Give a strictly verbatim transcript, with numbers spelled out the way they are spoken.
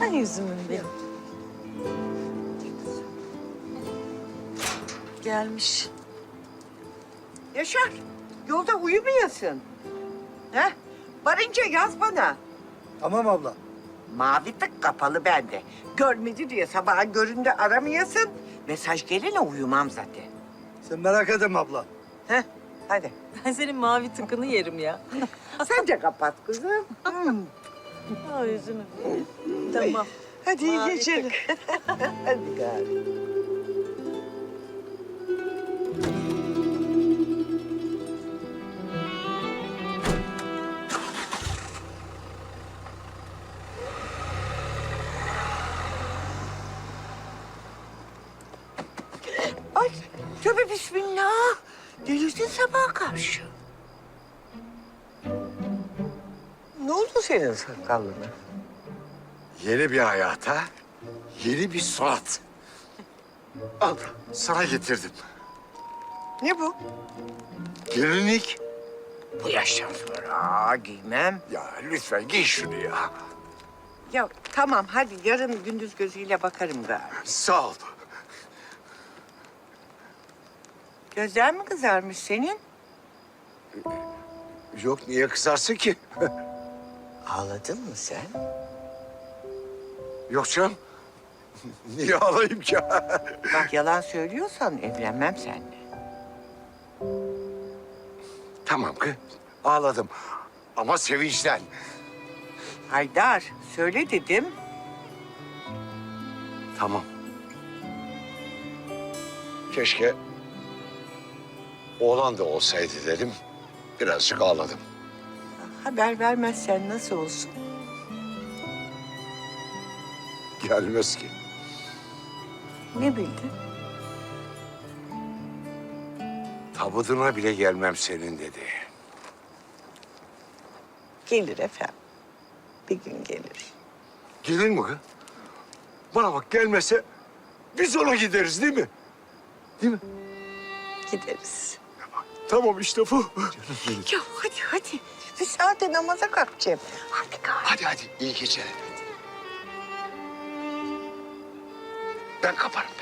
Güzel yüzümün benim. Gelmiş. Yaşar, yolda uyumayasın. Heh, varınca yaz bana. Tamam abla. Mavi tık kapalı bende. Görmedi diye sabaha göründe aramayasın. Mesaj gelene uyumam zaten. Sen merak etme abla. Heh, hadi. Ben senin mavi tıkını yerim ya. Sen de kapat kızım. Hmm. Aa, yüzümü benim. Tamam. Hadi iyi Mavi geceler. Hadi gari. Ay, tövbe bismillah. Delirdin sabaha karşı. Ne oldu senin sakallına? Yeni bir hayata, yeni bir surat. Al, sana getirdim. Ne bu? Gelinlik. Bu yaştan sonra giymem. Ya lütfen giy şunu ya. Ya tamam hadi yarın gündüz gözüyle bakarım gari. Sağ ol. Gözler mi kızarmış senin? Yok, niye kızarsın ki? Ağladın mı sen? Yok canım. Niye ağlayayım ki? Bak yalan söylüyorsan evlenmem seninle. Tamam kız, ağladım. Ama sevinçten. Haydar söyle dedim. Tamam. Keşke oğlan da olsaydı dedim. Birazcık ağladım. Haber vermezsen nasıl olsun? Gelmez ki. Ne bildin? Tabutuna bile gelmem senin dedi. Gelir efendim. Bir gün gelir. Gelir mi kız? Bana bak, gelmese biz ona gideriz değil mi? Değil mi? Gideriz. Tamam işte bu. Ya hadi hadi. Bir saate namaza kalkacağım. Hadi gari. Hadi hadi, iyi geceler. Ben kaparım.